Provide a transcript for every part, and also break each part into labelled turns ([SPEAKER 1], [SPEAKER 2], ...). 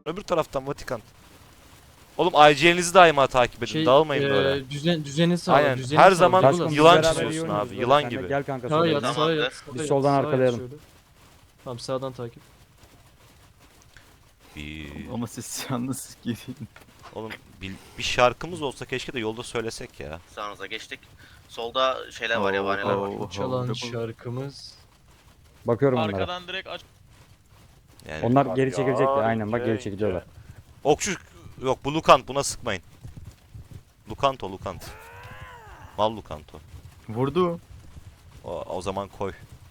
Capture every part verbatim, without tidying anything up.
[SPEAKER 1] Öbür taraftan Vatikan. Oğlum I G'nizi daima takip edin.
[SPEAKER 2] Şey,
[SPEAKER 1] Dağılmayın
[SPEAKER 2] e,
[SPEAKER 1] böyle.
[SPEAKER 2] Düzen, düzeni sağla.
[SPEAKER 1] Aynen.
[SPEAKER 2] Düzeni
[SPEAKER 1] Her
[SPEAKER 2] sağla.
[SPEAKER 1] zaman
[SPEAKER 2] Douglas.
[SPEAKER 3] Taşkın, biz
[SPEAKER 1] yılan
[SPEAKER 3] beraber
[SPEAKER 1] çiziyorsun
[SPEAKER 3] iyi
[SPEAKER 1] abi,
[SPEAKER 3] oynuyoruz böyle
[SPEAKER 1] yılan
[SPEAKER 3] seninle.
[SPEAKER 1] gibi.
[SPEAKER 3] Gel kanka
[SPEAKER 2] Sağa
[SPEAKER 3] sola.
[SPEAKER 2] yat,
[SPEAKER 3] gel.
[SPEAKER 2] sağa yat.
[SPEAKER 4] Tamamdır.
[SPEAKER 2] sağa
[SPEAKER 3] Biz
[SPEAKER 2] yat,
[SPEAKER 3] soldan
[SPEAKER 2] sağa yat
[SPEAKER 3] arkalayalım.
[SPEAKER 2] şöyle. Tamam sağdan takip.
[SPEAKER 1] Bir...
[SPEAKER 5] Ama siz yalnız girin.
[SPEAKER 1] Oğlum bir, bir şarkımız olsa keşke de yolda söylesek ya.
[SPEAKER 4] Sağınıza geçtik. Solda şeyler var, yabaniler var.
[SPEAKER 5] Oo,
[SPEAKER 2] Çalan
[SPEAKER 5] oo.
[SPEAKER 2] şarkımız.
[SPEAKER 3] Bakıyorum onlara.
[SPEAKER 6] Arkadan direkt aç.
[SPEAKER 1] Yani
[SPEAKER 3] Onlar geri çekilecekler. Aynen bak geri çekiliyorlar.
[SPEAKER 1] okçu yok, bu Lukant, buna sıkmayın. Lukant o, Lukant. Mal Lukant o.
[SPEAKER 5] Vurdu.
[SPEAKER 1] O, o zaman koy.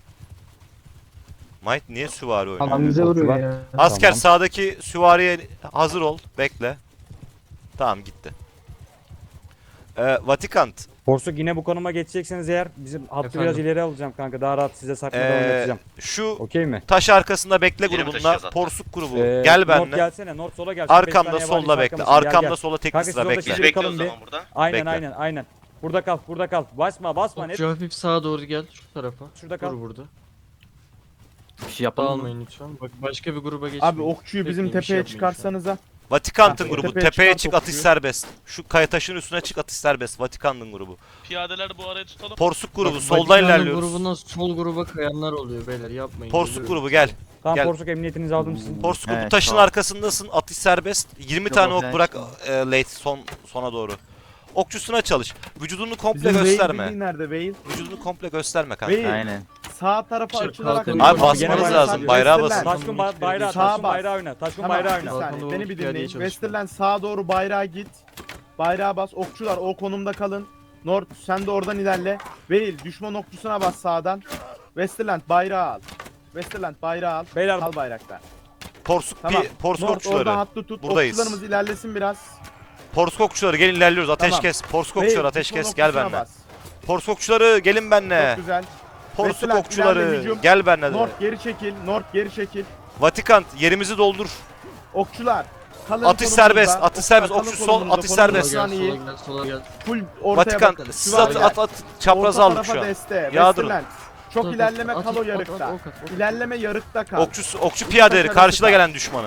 [SPEAKER 1] Might niye süvari oynuyor?
[SPEAKER 3] Tamam, bize vuruyor ya.
[SPEAKER 1] Asker
[SPEAKER 3] Tamam.
[SPEAKER 1] sağdaki süvariye hazır ol. Bekle. Tamam gitti. Ee, Vatikant.
[SPEAKER 3] Porsuk yine bu konuma geçecekseniz eğer bizim hattı
[SPEAKER 2] Efendim?
[SPEAKER 3] biraz ileri alacağım kanka. Daha rahat size saklada
[SPEAKER 1] Ee,
[SPEAKER 3] oynatacağım.
[SPEAKER 1] şu
[SPEAKER 3] Okey mi?
[SPEAKER 1] taş arkasında bekle
[SPEAKER 4] Yine mi
[SPEAKER 1] grubunda.
[SPEAKER 4] taşıyacağız hatta?
[SPEAKER 1] Porsuk grubu.
[SPEAKER 3] Ee,
[SPEAKER 1] Gel
[SPEAKER 3] North
[SPEAKER 1] benimle.
[SPEAKER 3] gelsene. North sola gel. Şu beş
[SPEAKER 1] Arkamda
[SPEAKER 3] tane
[SPEAKER 1] solda
[SPEAKER 3] yabancı
[SPEAKER 1] bekle.
[SPEAKER 3] arkamızda. Gel,
[SPEAKER 1] Arkamda
[SPEAKER 3] gel.
[SPEAKER 1] sola tek
[SPEAKER 3] Kanka,
[SPEAKER 1] sıra
[SPEAKER 3] siz
[SPEAKER 1] bekle.
[SPEAKER 4] Biz
[SPEAKER 3] Şöyle
[SPEAKER 4] bekliyoruz o
[SPEAKER 3] kalın
[SPEAKER 4] zaman burada.
[SPEAKER 3] Aynen
[SPEAKER 1] Bekle.
[SPEAKER 3] aynen aynen. Burada kal, burada kal. Basma, basma net.
[SPEAKER 2] Okçu hafif sağa doğru gel. Şu tarafa.
[SPEAKER 3] Şurada kal.
[SPEAKER 2] Dur burada.
[SPEAKER 5] Bir şey yapalım mı?
[SPEAKER 2] Dağılmayın lütfen. Bak başka bir gruba geçmeyin.
[SPEAKER 7] Abi okçuyu bizim
[SPEAKER 2] Bekleyin, bir şey
[SPEAKER 7] tepeye
[SPEAKER 2] yapmayın şu an.
[SPEAKER 7] çıkarsanıza.
[SPEAKER 1] Vatikant'ın
[SPEAKER 7] Ha,
[SPEAKER 1] grubu.
[SPEAKER 7] tepeye
[SPEAKER 1] Tepeye
[SPEAKER 7] çıkan
[SPEAKER 1] çık, atış
[SPEAKER 7] topçuyu.
[SPEAKER 1] serbest. Şu kaya taşın üstüne çık, atış serbest. Vatikant'ın grubu.
[SPEAKER 6] Piyadeler bu arayı tutalım.
[SPEAKER 1] Porsuk grubu.
[SPEAKER 2] Bak,
[SPEAKER 1] Soldan
[SPEAKER 2] Vatikan'ın
[SPEAKER 1] ilerliyoruz.
[SPEAKER 2] grubundan sol gruba kayanlar oluyor beyler, yapmayın.
[SPEAKER 1] Porsuk
[SPEAKER 2] Ölüyorum.
[SPEAKER 1] grubu gel.
[SPEAKER 3] Tamam
[SPEAKER 1] Gel.
[SPEAKER 3] Porsuk emniyetinizi aldım sizin.
[SPEAKER 1] Porsuk grubu
[SPEAKER 5] Evet,
[SPEAKER 1] taşın
[SPEAKER 5] tamam.
[SPEAKER 1] arkasındasın. Atış serbest. yirmi
[SPEAKER 5] Yok,
[SPEAKER 1] tane
[SPEAKER 5] o
[SPEAKER 1] ok
[SPEAKER 5] falan
[SPEAKER 1] bırak
[SPEAKER 5] çıkmaz.
[SPEAKER 1] e, late son sona doğru. Okçusuna çalış. Vücudunu komple
[SPEAKER 7] Bizim Veil
[SPEAKER 1] gösterme.
[SPEAKER 7] bildiğin nerede Veil?
[SPEAKER 1] Vücudunu komple gösterme kanka.
[SPEAKER 7] Veil
[SPEAKER 5] Aynen.
[SPEAKER 7] sağ tarafa
[SPEAKER 2] Şey,
[SPEAKER 7] açılarak...
[SPEAKER 2] kalkın.
[SPEAKER 1] Abi
[SPEAKER 2] Gene
[SPEAKER 1] basmanız
[SPEAKER 3] bayrağı
[SPEAKER 1] lazım.
[SPEAKER 3] basın.
[SPEAKER 1] Bayrağı
[SPEAKER 7] Westerland.
[SPEAKER 1] basın.
[SPEAKER 3] Taşkın ba- bayrağı,
[SPEAKER 7] Sağa
[SPEAKER 3] taşkın
[SPEAKER 7] bas.
[SPEAKER 3] bayrağı oyna. Taşkın
[SPEAKER 7] Tamam
[SPEAKER 3] bayrağı
[SPEAKER 7] bir
[SPEAKER 3] oyna.
[SPEAKER 7] saniye
[SPEAKER 2] Balkona
[SPEAKER 7] beni
[SPEAKER 2] doğru
[SPEAKER 7] bir
[SPEAKER 2] piyadeye
[SPEAKER 7] dinleyin.
[SPEAKER 2] çalışma.
[SPEAKER 7] Westerland sağa doğru bayrağa git. Bayrağa bas. Okçular o konumda kalın. North sen de oradan ilerle. Veil düşman okçusuna bas sağdan. Westerland bayrağı al. Westerland bayrağı al.
[SPEAKER 3] Beyler
[SPEAKER 7] Al bayrakta.
[SPEAKER 1] Porsuk,
[SPEAKER 7] Tamam.
[SPEAKER 1] pi, porsuk
[SPEAKER 7] North
[SPEAKER 1] okçuları.
[SPEAKER 7] oradan hattı tut.
[SPEAKER 1] Buradayız.
[SPEAKER 7] Okçularımız ilerlesin biraz.
[SPEAKER 1] Porsuk okçuları gelin, ilerliyoruz. Ateş
[SPEAKER 7] Tamam.
[SPEAKER 1] kes. Porsuk
[SPEAKER 7] Veil,
[SPEAKER 1] okçuları ateş
[SPEAKER 7] düşman
[SPEAKER 1] kes. Gel
[SPEAKER 7] okçusuna
[SPEAKER 1] benimle.
[SPEAKER 7] bas.
[SPEAKER 1] Porsuk okçuları gelin benimle.
[SPEAKER 7] Çok güzel.
[SPEAKER 1] Porsuk
[SPEAKER 7] Westerland, ilerle,
[SPEAKER 1] okçuları
[SPEAKER 7] hücum.
[SPEAKER 1] gel benimle. de.
[SPEAKER 7] North geri çekil. North geri çekil.
[SPEAKER 1] Vatikan yerimizi doldur.
[SPEAKER 7] Okçular. Kalın
[SPEAKER 1] Atış
[SPEAKER 7] konumunda.
[SPEAKER 1] serbest, atış
[SPEAKER 7] Okçular
[SPEAKER 1] serbest,
[SPEAKER 7] kalın
[SPEAKER 1] okçu sol,
[SPEAKER 7] konumunda,
[SPEAKER 1] atış
[SPEAKER 7] konumunda
[SPEAKER 1] serbest.
[SPEAKER 7] şu
[SPEAKER 2] Sola
[SPEAKER 7] an
[SPEAKER 2] gel,
[SPEAKER 7] iyi.
[SPEAKER 2] sola gel, sola gel.
[SPEAKER 7] Full ortaya
[SPEAKER 1] Vatikan
[SPEAKER 7] bakın.
[SPEAKER 1] siz
[SPEAKER 7] Süvari
[SPEAKER 1] at,
[SPEAKER 7] gel.
[SPEAKER 1] at at çapraz
[SPEAKER 7] Orta
[SPEAKER 1] aldık
[SPEAKER 7] tarafa
[SPEAKER 1] şu an.
[SPEAKER 7] deste.
[SPEAKER 1] Yağdırın.
[SPEAKER 7] Westerland. Çok
[SPEAKER 2] At,
[SPEAKER 7] ilerleme
[SPEAKER 2] at,
[SPEAKER 7] kal
[SPEAKER 2] at,
[SPEAKER 7] o
[SPEAKER 2] at,
[SPEAKER 7] yarıkta.
[SPEAKER 2] at, ok at, ok at.
[SPEAKER 7] İlerleme yarıkta kal.
[SPEAKER 1] Okçu okçu piyadeleri
[SPEAKER 7] Taş
[SPEAKER 1] karşıda
[SPEAKER 7] arası
[SPEAKER 1] gelen düşmanı.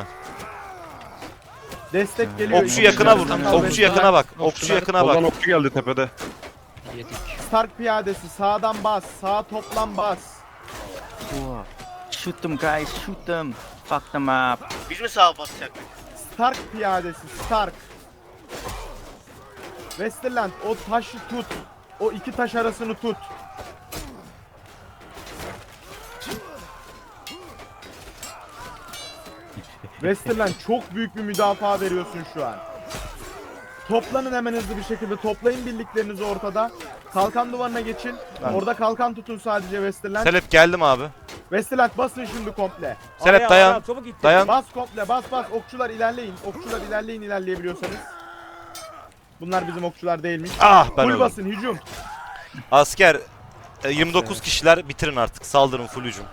[SPEAKER 7] Destek geliyor.
[SPEAKER 1] Okçu
[SPEAKER 7] İki
[SPEAKER 1] yakına
[SPEAKER 7] yarıkta
[SPEAKER 1] vur.
[SPEAKER 7] kal
[SPEAKER 1] Okçu
[SPEAKER 7] Westerland.
[SPEAKER 1] yakına bak. Okçu yakına
[SPEAKER 8] Oradan
[SPEAKER 1] bak.
[SPEAKER 8] okçu geldi tepede.
[SPEAKER 7] Stark piyadesi sağdan bas. Sağ toplam bas.
[SPEAKER 5] Wow. Shoot them guys, shoot them. Fuck them up.
[SPEAKER 4] Biz mi sağa basacaktık?
[SPEAKER 7] Stark piyadesi Stark. Westerland o taşı tut. O iki taş arasını tut. Westerland çok büyük bir müdafaa veriyorsun şu an. Toplanın hemen hızlı bir şekilde. Toplayın birliklerinizi ortada. Kalkan duvarına geçin. Orada kalkan tutun sadece Westerland.
[SPEAKER 1] Selep geldim abi.
[SPEAKER 7] Westerland basın şimdi komple.
[SPEAKER 1] Selep
[SPEAKER 3] Araya,
[SPEAKER 1] dayan.
[SPEAKER 3] araya, çabuk git.
[SPEAKER 1] Dayan.
[SPEAKER 7] Bas komple bas bas. Okçular ilerleyin. Okçular ilerleyin ilerleyebiliyorsanız. Bunlar bizim okçular değilmiş.
[SPEAKER 1] Ah ben
[SPEAKER 7] Full
[SPEAKER 1] öldüm.
[SPEAKER 7] basın hücum.
[SPEAKER 1] Asker e, yirmi dokuz kişiler, bitirin artık. Saldırın full hücum.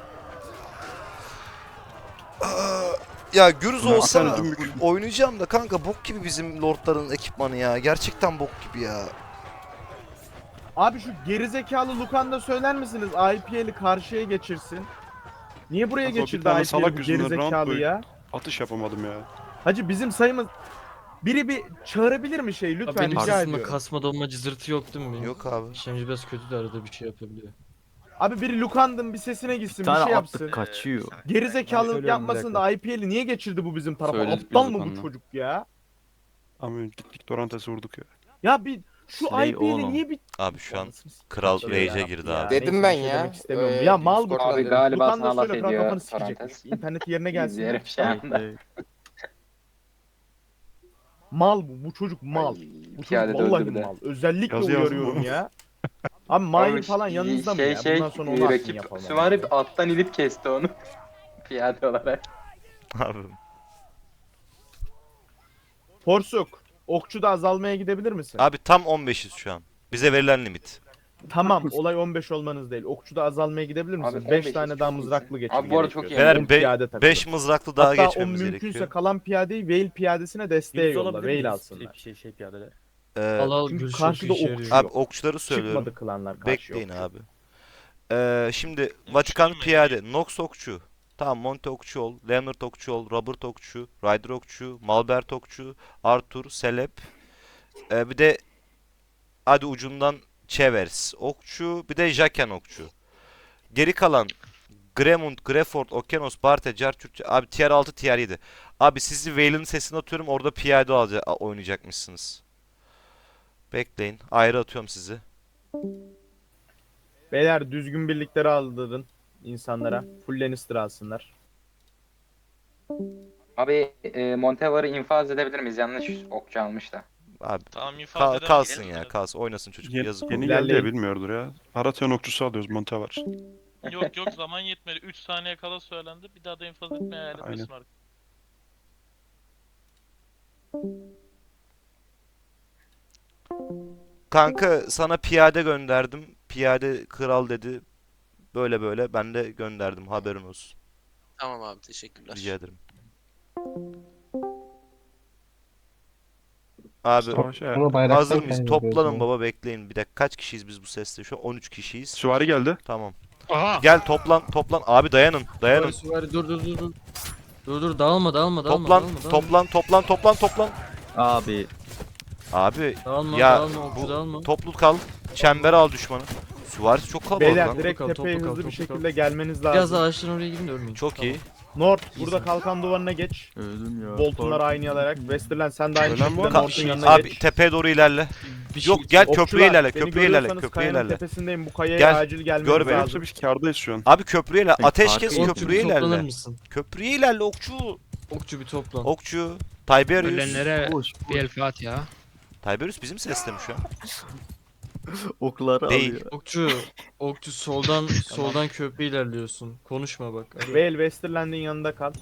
[SPEAKER 1] Ya Gürüz
[SPEAKER 8] Ulan
[SPEAKER 1] olsana
[SPEAKER 8] sen dümbük.
[SPEAKER 1] oynayacağım da kanka bok gibi bizim lordların ekipmanı ya. Gerçekten bok gibi ya.
[SPEAKER 7] Abi şu gerizekalı Lukan da söyler misiniz? I P L'i karşıya geçirsin. Niye buraya
[SPEAKER 8] Kanka o bir
[SPEAKER 7] geçirdi
[SPEAKER 8] tane
[SPEAKER 7] I P L'i
[SPEAKER 8] salak
[SPEAKER 7] bu
[SPEAKER 8] yüzünden round
[SPEAKER 7] gerizekalı
[SPEAKER 8] boyu-
[SPEAKER 7] ya?
[SPEAKER 8] Atış yapamadım ya.
[SPEAKER 7] Hacı bizim sayımız... Biri bir çağırabilir mi şey
[SPEAKER 2] Abi
[SPEAKER 7] lütfen
[SPEAKER 2] benim
[SPEAKER 7] rica
[SPEAKER 2] sesimde
[SPEAKER 7] ediyorum.
[SPEAKER 2] kasma donma cızırtı yok değil mi benim?
[SPEAKER 1] Yok abi.
[SPEAKER 2] İşlemci biraz kötü de arada bir şey yapabiliyor.
[SPEAKER 7] Abi biri Lukan'dın bir sesine gitsin
[SPEAKER 5] Bir
[SPEAKER 7] bir
[SPEAKER 5] tane
[SPEAKER 7] şey yapsın.
[SPEAKER 5] attık kaçıyor.
[SPEAKER 3] Ben
[SPEAKER 7] Gerizekalılık
[SPEAKER 3] söylüyorum bir
[SPEAKER 7] yapmasın da I P L'i niye geçirdi bu bizim tarafa?
[SPEAKER 5] Söyledik
[SPEAKER 7] Aptal
[SPEAKER 5] biz
[SPEAKER 7] mı bu
[SPEAKER 5] Lukan'la.
[SPEAKER 7] çocuk ya?
[SPEAKER 8] Ama gittik Dorantes vurduk ya.
[SPEAKER 7] Ya bir şu
[SPEAKER 5] Slay
[SPEAKER 7] I P L'i
[SPEAKER 5] oğlum.
[SPEAKER 7] niye bir...
[SPEAKER 1] Abi şu an
[SPEAKER 7] Anasını s-
[SPEAKER 1] kral
[SPEAKER 7] Şöyle
[SPEAKER 1] rage'e
[SPEAKER 7] yarabbim
[SPEAKER 1] girdi
[SPEAKER 7] ya.
[SPEAKER 1] abi.
[SPEAKER 7] Neyse,
[SPEAKER 9] Dedim
[SPEAKER 7] bir
[SPEAKER 9] ben
[SPEAKER 7] şey
[SPEAKER 9] ya,
[SPEAKER 7] demek istemiyorum.
[SPEAKER 9] ee,
[SPEAKER 7] ya mal bu
[SPEAKER 9] Discord'da
[SPEAKER 7] çocuk.
[SPEAKER 9] galiba
[SPEAKER 7] Lukan
[SPEAKER 9] sana
[SPEAKER 7] da
[SPEAKER 9] laf
[SPEAKER 7] söyle kral
[SPEAKER 9] ediyor
[SPEAKER 7] kafanı sikecek.
[SPEAKER 9] Parantez.
[SPEAKER 7] İnterneti yerine gelsin.
[SPEAKER 9] İzleyelim şu anda.
[SPEAKER 7] Mal bu. Bu çocuk mal.
[SPEAKER 9] Ay,
[SPEAKER 7] Bu çocuk
[SPEAKER 9] piyade
[SPEAKER 7] vallahi
[SPEAKER 9] döndü bir de.
[SPEAKER 7] mal. Özellikle
[SPEAKER 8] Yazı yazdım
[SPEAKER 7] uyarıyorum
[SPEAKER 8] bunu.
[SPEAKER 7] ya. Abi Mahir
[SPEAKER 9] Abi,
[SPEAKER 7] falan yanınızda mı
[SPEAKER 9] şey,
[SPEAKER 7] ya?
[SPEAKER 9] Şey,
[SPEAKER 7] Bundan sonra onu
[SPEAKER 9] e,
[SPEAKER 7] atın
[SPEAKER 9] rakip
[SPEAKER 7] yapalım.
[SPEAKER 9] süvari alttan inip kesti onu. Piyade olarak.
[SPEAKER 1] Abi.
[SPEAKER 7] Porsuk. Okçu da azalmaya gidebilir misin?
[SPEAKER 1] Abi tam on beşiz şu an. Bize verilen limit.
[SPEAKER 7] Tamam olay on beş olmanız değil. Okçu da azalmaya gidebilir misin?
[SPEAKER 9] Abi,
[SPEAKER 7] beş
[SPEAKER 9] on beş
[SPEAKER 7] tane
[SPEAKER 9] çok
[SPEAKER 7] daha
[SPEAKER 9] iyisin.
[SPEAKER 7] mızraklı geçin.
[SPEAKER 9] Abi bu arada çok iyi.
[SPEAKER 1] Beyler
[SPEAKER 7] on
[SPEAKER 1] be-
[SPEAKER 7] piyade takılın.
[SPEAKER 1] beş mızraklı daha
[SPEAKER 7] Hatta
[SPEAKER 1] geçmemiz
[SPEAKER 7] o mümkünse
[SPEAKER 1] gerekiyor.
[SPEAKER 7] kalan piyadeyi Veil piyadesine desteğe
[SPEAKER 3] Yüz
[SPEAKER 7] yolla.
[SPEAKER 3] olabilir
[SPEAKER 7] Veil
[SPEAKER 3] miyiz?
[SPEAKER 7] alsınlar.
[SPEAKER 3] Şey şey piyadeler.
[SPEAKER 1] Ee,
[SPEAKER 2] Al al
[SPEAKER 7] Çünkü
[SPEAKER 2] gül çok
[SPEAKER 7] karşıda
[SPEAKER 2] işe
[SPEAKER 7] okçu
[SPEAKER 2] yarıyor.
[SPEAKER 1] abi okçuları söylüyorum.
[SPEAKER 7] Çıkmadı klanlar karşı
[SPEAKER 1] Bekleyin
[SPEAKER 7] okçu.
[SPEAKER 1] abi. Ee, şimdi Vatikan piyade. Nox okçu. Tamam, Monte okçu ol, Leonard okçu ol, Robert okçu, Ryder okçu, Malbert okçu, Arthur, Celeb. Ee, bir de hadi ucundan Chevers okçu, bir de Jaken okçu. Geri kalan Gremund, Grefort, Okenos, Barte, Cartürkçe. Abi tier altı, tier yedi. Abi sizi Vayle'ın sesini atıyorum, orada piyade alca- oynayacakmışsınız. Bekleyin. Ayrı atıyorum sizi.
[SPEAKER 7] Beyler düzgün birlikleri aldırın insanlara. Full Lannister alsınlar.
[SPEAKER 9] Abi e, Montevar'ı infaz edebilir miyiz? Yanlış okçu almış da.
[SPEAKER 1] Abi
[SPEAKER 6] Tamam infaz
[SPEAKER 1] kal-
[SPEAKER 6] edelim.
[SPEAKER 1] kalsın
[SPEAKER 4] gidelim
[SPEAKER 1] ya,
[SPEAKER 4] mi?
[SPEAKER 1] kalsın. Oynasın çocuk.
[SPEAKER 8] Yeni,
[SPEAKER 1] Yazık.
[SPEAKER 8] yeni
[SPEAKER 1] olur.
[SPEAKER 8] geldi ya
[SPEAKER 7] İlerleyin.
[SPEAKER 8] bilmiyordur ya. Haratiyon okçusu alıyoruz Monte var.
[SPEAKER 6] Yok yok zaman yetmedi. üç saniye kala söylendi. Bir daha da infaz etmeye hayal
[SPEAKER 8] Aynen.
[SPEAKER 6] etmesin artık.
[SPEAKER 1] Kanka sana piyade gönderdim. Piyade kral dedi. Böyle böyle ben de gönderdim. Haberin olsun.
[SPEAKER 10] Tamam abi teşekkürler.
[SPEAKER 1] Rica ederim. Abi
[SPEAKER 8] Savaşa.
[SPEAKER 1] hazır mıyız? Toplanın baba, bekleyin. Bir dakika, kaç kişiyiz biz bu seste şu an? on üç kişiyiz.
[SPEAKER 8] Süvari geldi.
[SPEAKER 1] Tamam.
[SPEAKER 6] Aha!
[SPEAKER 1] Gel toplan toplan. Abi dayanın dayanın.
[SPEAKER 2] Süvari, dur dur dur dur. Dur dur dağılma dağılma dağılma
[SPEAKER 1] Toplan
[SPEAKER 2] dağılma, dağılma.
[SPEAKER 1] toplan toplan toplan toplan.
[SPEAKER 5] Abi
[SPEAKER 1] Abi
[SPEAKER 2] Dağılma
[SPEAKER 1] ya
[SPEAKER 2] dağılma okçu
[SPEAKER 1] bu
[SPEAKER 2] dağılma.
[SPEAKER 1] toplu kal. Çember al düşmanı. Süvarisi çok kalabalık
[SPEAKER 7] Beyler
[SPEAKER 1] lan.
[SPEAKER 7] direkt
[SPEAKER 2] Toplu kal,
[SPEAKER 7] tepeye
[SPEAKER 2] toplu kal,
[SPEAKER 7] hızlı bir
[SPEAKER 2] toplu kal.
[SPEAKER 7] şekilde gelmeniz
[SPEAKER 2] Biraz
[SPEAKER 7] lazım.
[SPEAKER 2] ağaçların oraya gidin de ölmeyin.
[SPEAKER 1] Çok iyi.
[SPEAKER 7] North burada kalkan duvarına geç.
[SPEAKER 5] öldüm ya.
[SPEAKER 7] Boltonlar aynı alarak. Westerland sen de aynı
[SPEAKER 8] Ölen
[SPEAKER 7] şekilde
[SPEAKER 8] var mı?
[SPEAKER 7] North'un yanına
[SPEAKER 1] Abi
[SPEAKER 7] geç.
[SPEAKER 1] tepeye doğru ilerle.
[SPEAKER 2] Bir şey
[SPEAKER 1] Yok gel köprüye
[SPEAKER 7] Okçular,
[SPEAKER 1] ilerle.
[SPEAKER 7] beni
[SPEAKER 1] Köprüye ilerle.
[SPEAKER 7] görüyorsanız
[SPEAKER 1] Köprüye
[SPEAKER 7] kayanın
[SPEAKER 1] ilerle.
[SPEAKER 7] tepesindeyim. Bu kayaya
[SPEAKER 1] Gel,
[SPEAKER 7] acil gelmeniz
[SPEAKER 1] gör beni.
[SPEAKER 7] lazım.
[SPEAKER 8] Yoksa biz kârdayız şu an.
[SPEAKER 1] Abi köprüye ilerle.
[SPEAKER 5] Ay,
[SPEAKER 1] Ateş
[SPEAKER 5] farkı
[SPEAKER 1] kes
[SPEAKER 5] yok.
[SPEAKER 2] Okçu bir
[SPEAKER 1] köprüye
[SPEAKER 2] toplanır
[SPEAKER 1] ilerle.
[SPEAKER 2] mısın?
[SPEAKER 1] Köprüye ilerle okçu.
[SPEAKER 2] Okçu bir toplan.
[SPEAKER 1] Okçu. Tiberius.
[SPEAKER 10] Ölenlere
[SPEAKER 5] Boş,
[SPEAKER 10] bir el Fatiha.
[SPEAKER 1] Tiberius bizim seste mi şu an?
[SPEAKER 5] okları
[SPEAKER 1] Değil.
[SPEAKER 5] alıyor.
[SPEAKER 2] Okçu, okçu soldan soldan köprü ilerliyorsun. Konuşma bak. Hadi.
[SPEAKER 7] Vale Westerland'in yanında kal.